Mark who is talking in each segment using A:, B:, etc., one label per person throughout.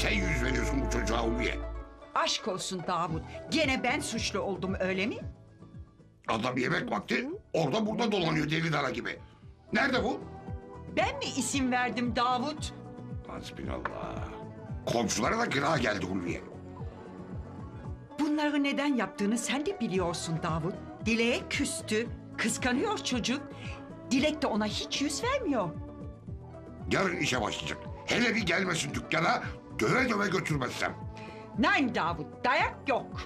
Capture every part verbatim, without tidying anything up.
A: sen yüz veriyorsun bu çocuğa Ulviye?
B: Aşk olsun Davut. Gene ben suçlu oldum öyle mi?
A: Adam yemek vakti orada burada dolanıyor deli dara gibi. Nerede bu?
B: Ben mi isim verdim Davut?
A: Hasbinallah. Komşulara da kira geldi Ulviye.
B: Bunları neden yaptığını sen de biliyorsun Davut. Dilek'e küstü. Kıskanıyor çocuk. Dilek de ona hiç yüz vermiyor.
A: Yarın işe başlayacak. Hele bir gelmesin dükkana, döve döve götürmezsem.
B: Nein Davut, dayak yok.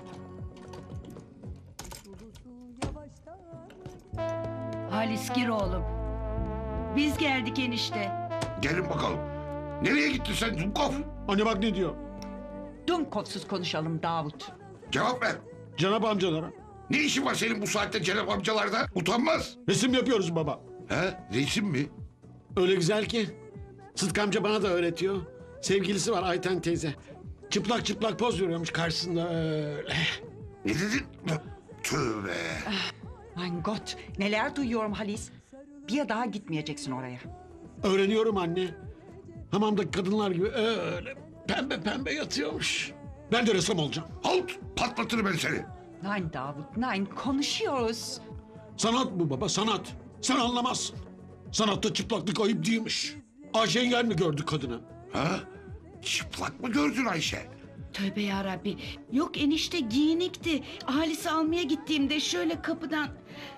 C: Halis gir oğlum. Biz geldik enişte.
A: Gelin bakalım. Nereye gittin sen Dumkov?
D: Anne bak ne diyor?
B: Dumkovsuz konuşalım Davut.
A: Cevap ver.
D: Cenap amcalara.
A: Ne işin var senin bu saatte Cenap amcalarda? Utanmaz.
D: Resim yapıyoruz baba.
A: He? Resim mi?
D: Öyle güzel ki. Sıtkı amca bana da öğretiyor. Sevgilisi var Ayten teyze. Çıplak çıplak poz veriyormuş karşısında öyle.
A: Ne dedin? Tövbe.
B: Mein Gott, neler duyuyorum Halis. Bir daha gitmeyeceksin oraya.
D: Öğreniyorum anne. Hamamdaki kadınlar gibi öyle pembe pembe yatıyormuş. Ben de ressam olacağım.
A: Halt! Patlatırım ben seni.
B: Nein Davut, nein, konuşuyoruz.
D: Sanat bu baba sanat. Sen anlamazsın. Sanatta çıplaklık ayıp değilmiş. Ayşe engel mi gördü kadını?
A: Ha? Çıplak mı gördün Ayşe?
C: Tövbe yarabbi. Yok enişte giyinikti. Halis'i almaya gittiğimde şöyle kapıdan...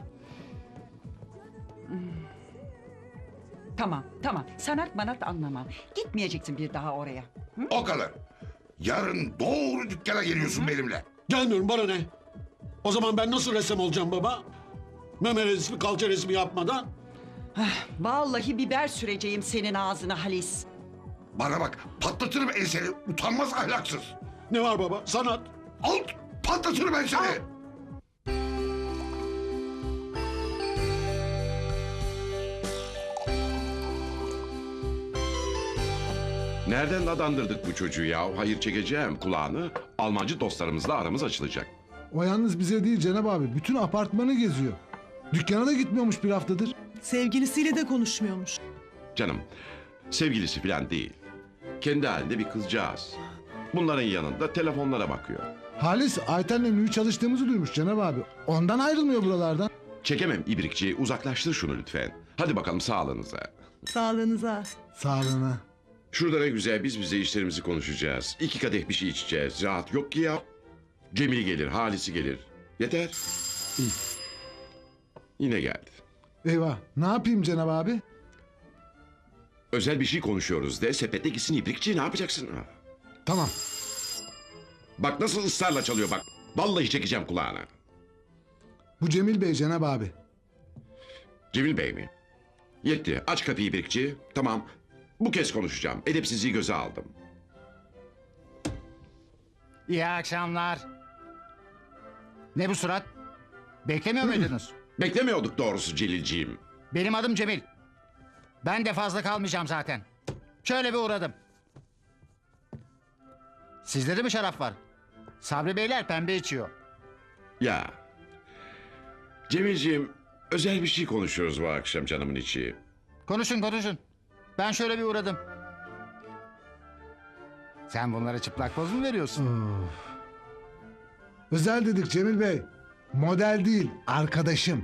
B: Tamam, tamam. Sanat manat anlamam. Gitmeyeceksin bir daha oraya. Hı?
A: O kadar. Yarın doğru dükkana geliyorsun benimle.
D: Gelmiyorum bana ne? O zaman ben nasıl ressam olacağım baba? Meme resmi kalça resmi yapmadan.
B: Vallahi biber süreceğim senin ağzına Halis.
A: Bana bak patlatırım enseni utanmaz ahlaksız.
D: Ne var baba? Sanat.
A: Halt! Patlatırım ben seni.
E: Nereden adandırdık bu çocuğu ya? Hayır çekeceğim kulağını. Almancı dostlarımızla aramız açılacak.
F: O yalnız bize değil Cenab abi. Bütün apartmanı geziyor. Dükkana da gitmiyormuş bir haftadır.
G: Sevgilisiyle de konuşmuyormuş.
E: Canım, sevgilisi falan değil. Kendi halinde bir kızcağız. Bunların yanında telefonlara bakıyor.
F: Halis Ayten'le mühür çalıştığımızı duymuş Cenab abi. Ondan ayrılmıyor buralardan.
E: Çekemem ibrikçi, uzaklaştır şunu lütfen. Hadi bakalım sağlığınıza.
G: Sağlığınıza.
F: Sağlığına.
E: Şurada ne güzel biz bize işlerimizi konuşacağız. İki kadeh bir şey içeceğiz. Rahat yok ki ya. Cemil gelir, Halis'i gelir. Yeter. Yine geldi.
F: Eyvah. Ne yapayım Cenab abi?
E: Özel bir şey konuşuyoruz de sepette gitsin ibrikçi ne yapacaksın?
F: Tamam.
E: Bak nasıl ısrarla çalıyor bak. Vallahi çekeceğim kulağına.
F: Bu Cemil Bey Cenab abi.
E: Cemil Bey mi? Yetti. Aç kapıyı ibrikçi. Tamam. Bu kez konuşacağım. Edepsizliği göze aldım.
H: İyi akşamlar. Ne bu surat? Beklemiyor muydunuz?
E: Beklemiyorduk doğrusu Celilciğim.
H: Benim adım Cemil. Ben de fazla kalmayacağım zaten. Şöyle bir uğradım. Sizde de mi şarap var? Sabri Beyler pembe içiyor.
E: Ya. Cemilciğim özel bir şey konuşuyoruz bu akşam canımın içi.
H: Konuşun konuşun. Ben şöyle bir uğradım. Sen bunlara çıplak poz mu veriyorsun?
F: Of. Özel dedik Cemil Bey. Model değil, arkadaşım.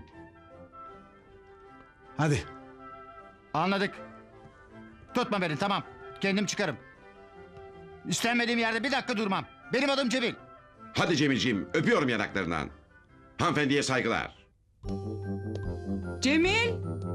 F: Hadi.
H: Anladık. Tutma beni tamam. Kendim çıkarım. İstenmediğim yerde bir dakika durmam. Benim adım Cemil.
E: Hadi Cemilciğim öpüyorum yanaklarından. Hanımefendiye saygılar.
G: Cemil!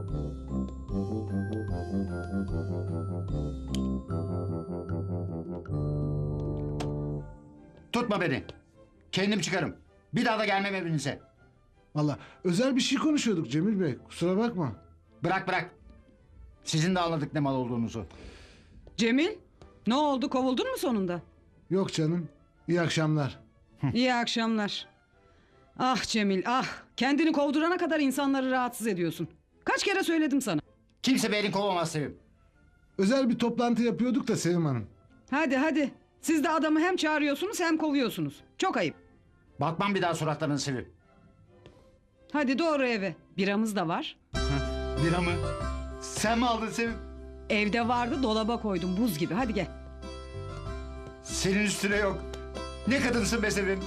H: Tutma beni. Kendim çıkarım. Bir daha da gelmem evinize.
F: Valla özel bir şey konuşuyorduk Cemil Bey. Kusura bakma.
H: Bırak bırak. Sizin de anladık ne mal olduğunuzu.
G: Cemil, ne oldu, kovuldun mu sonunda?
F: Yok canım. İyi akşamlar.
G: İyi akşamlar. Ah Cemil, ah. Kendini kovdurana kadar insanları rahatsız ediyorsun. Kaç kere söyledim sana.
H: Kimse beni kovamaz Sevim.
F: Özel bir toplantı yapıyorduk da Sevim Hanım.
G: Hadi hadi. Siz de adamı hem çağırıyorsunuz hem kovuyorsunuz. Çok ayıp.
H: Bakmam bir daha suratlarına Sevim.
G: Hadi doğru eve. Biramız da var.
H: Lira mı? Sen mi aldın Sevim?
G: Evde vardı, dolaba koydum buz gibi. Hadi gel.
H: Senin üstüne yok. Ne kadınsın be Sevim.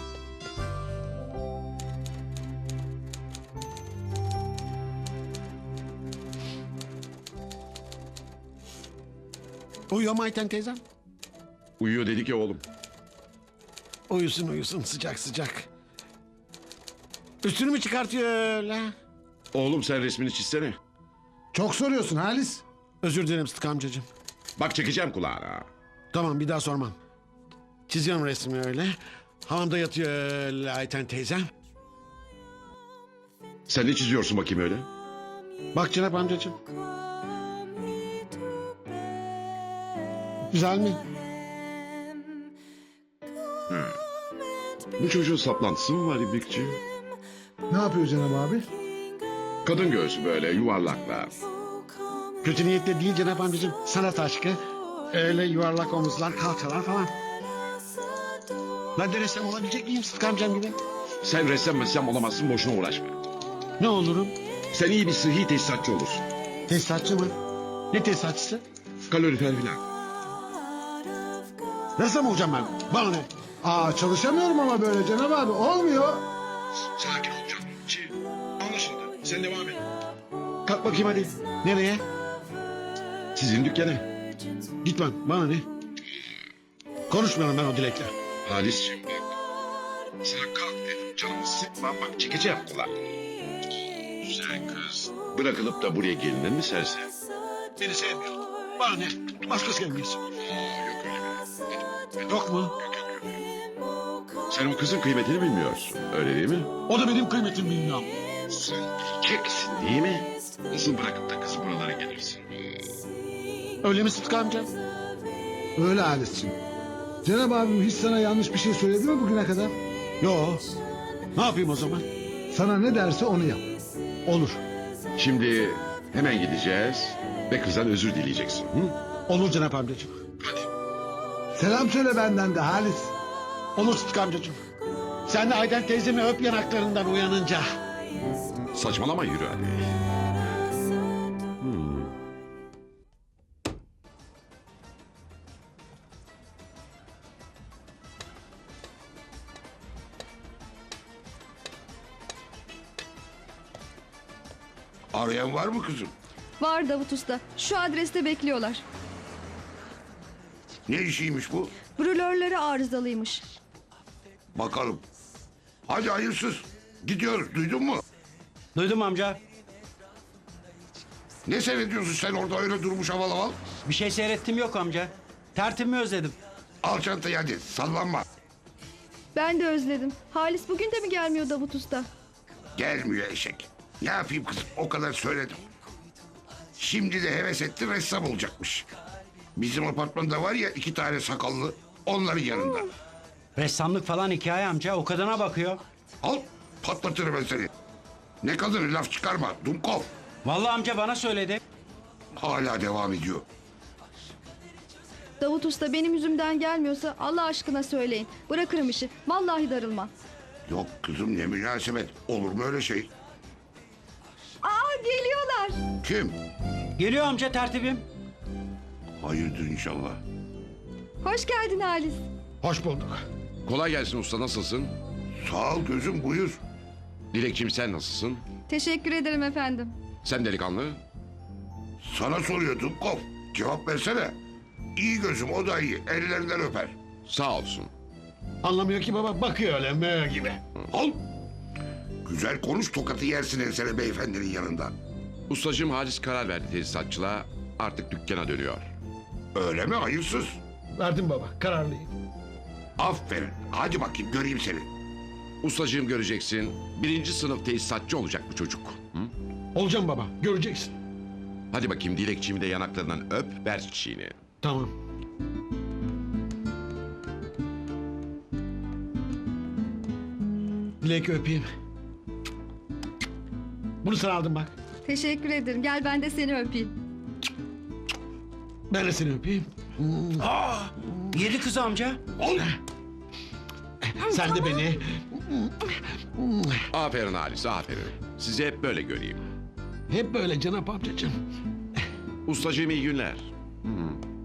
D: Uyuyor mu Ayten teyzem?
E: Uyuyor dedik ya oğlum.
D: Uyusun uyusun sıcak sıcak. Üstünü mü çıkartıyor öyle?
E: Oğlum sen resmini çizsene.
F: Çok soruyorsun Halis.
D: Özür dilerim Sıtkı amcacığım.
E: Bak çekeceğim kulağına.
D: Tamam bir daha sormam. Çiziyorum resmi öyle. Hamamda yatıyor öyle Ayten teyzem.
E: Sen ne çiziyorsun bakayım öyle?
D: Bak Cenap amcacığım. Güzel mi?
E: Bu çocuğun saplantısı mı var İbrikçi?
F: Ne yapıyor Cenab abi?
E: Kadın göğsü böyle yuvarlaklar.
D: Kötü niyetle değil Cenap amcacığım. Sanat aşkı. Öyle yuvarlak omuzlar, kalçalar falan. Ben de ressam olabilecek miyim Sıtkı amcam gibi?
E: Sen ressam messam olamazsın, boşuna uğraşma.
D: Ne olurum?
E: Sen iyi bir sıhhi tesisatçı olursun.
D: Tesisatçı mı? Ne tesisatçısı?
E: Kalorifer filan.
D: Ressam olacağım ben. Bana ne?
F: Aa çalışamıyorum ama böyle Cenab abi. Olmuyor.
E: Sakin ol canım. Şey, anlaşıldı. Sen devam et.
D: Kalk bakayım hadi. Nereye?
E: Sizin dükkana.
D: Gitmem. Bana ne? Konuşmuyorum ben o dilekle.
E: Halis'ciğim bak. Sana kalk dedim. Canımı sıkma. Bak çekeceğim kulağını. Güzel kız. Bırakılıp da buraya gelinir mi serse?
D: Beni sevmiyor. Bana ne? Başkası gelmeyiz.
E: Yok öyle bir.
D: Yok mu?
E: Sen o kızın kıymetini bilmiyorsun. Öyle değil mi?
D: O da benim kıymetimi bilmiyor.
E: Sen bileceksin değil mi? Nasıl bırakıp da kız buralara gelirsin?
D: Öyle mi Sıtkı amca?
F: Öyle Halis'ciğim. Cenab abim hiç sana yanlış bir şey söyledi mi bugüne kadar?
D: Yo. Ne yapayım o zaman?
F: Sana ne derse onu yap. Olur.
E: Şimdi hemen gideceğiz ve kızdan özür dileyeceksin. Hı?
D: Olur Cenap amcacığım.
E: Hadi.
F: Selam söyle benden de Halis.
D: Olur Sıtkı amcacığım. Sen de Ayten teyzemi öp yanaklarından uyanınca.
E: Saçmalama yürü hadi. Hmm.
A: Arayan var mı kızım?
I: Var Davut Usta. Şu adreste bekliyorlar.
A: Ne işiymiş bu?
I: Brülörleri arızalıymış.
A: Bakalım. Hadi hayırsız. Gidiyoruz, duydun mu?
J: Duydum amca.
A: Ne seyrediyorsun sen orada öyle durmuş havalı havalı?
J: Bir şey seyrettim yok amca. Tertibimi özledim.
A: Al çantayı hadi, sallanma.
I: Ben de özledim. Halis bugün de mi gelmiyor Davut Usta?
A: Gelmiyor eşek. Ne yapayım kızım, o kadar söyledim. Şimdi de heves etti, ressam olacakmış. Bizim apartmanda var ya iki tane sakallı, onların yanında.
J: Ressamlık falan hikaye amca. O kadına bakıyor.
A: Al, patlatırım ben seni. Ne kadını laf çıkarma, Dumkov.
J: Vallahi amca bana söyledi.
A: Hala devam ediyor.
I: Davut Usta benim yüzümden gelmiyorsa Allah aşkına söyleyin. Bırakırım işi. Vallahi darılmam.
A: Yok kızım ne münasebet, olur mu öyle şey?
I: Aa geliyorlar.
A: Kim?
J: Geliyor amca tertibim.
A: Hayırdır inşallah.
I: Hoş geldin Halis.
D: Hoş bulduk.
E: Kolay gelsin usta, nasılsın?
A: Sağ ol gözüm, buyur.
E: Dilekçim sen nasılsın?
I: Teşekkür ederim efendim.
E: Sen delikanlı.
A: Sana soruyor Dumkov, cevap versene. İyi gözüm, o da iyi, ellerinden öper.
E: Sağ olsun.
D: Anlamıyor ki baba, bakıyor öyle mö gibi.
A: Al. Güzel konuş, tokatı yersin ensene beyefendinin yanında.
E: Ustacığım Halis karar verdi tesisatçılığa. Artık dükkana dönüyor.
A: Öyle mi hayırsız?
D: Verdim baba, kararlıyım.
A: Aferin, hadi bakayım göreyim seni.
E: Ustacığım göreceksin. Birinci sınıf tesisatçı olacak bu çocuk. Hı?
D: Olacağım baba, göreceksin.
E: Hadi bakayım dilekçimi de yanaklarından öp, ver çiçeğini.
D: Tamam. Dilek öpeyim. Bunu sana aldım bak.
I: Teşekkür ederim. Gel ben de seni öpeyim.
D: Ben de seni öpeyim.
J: Yedi kız amca.
A: Al.
D: Sen de beni.
E: Aferin Halis, aferin. Sizi hep böyle göreyim.
D: Hep böyle Cenap amcacığım.
E: Ustacığım iyi günler. Hı.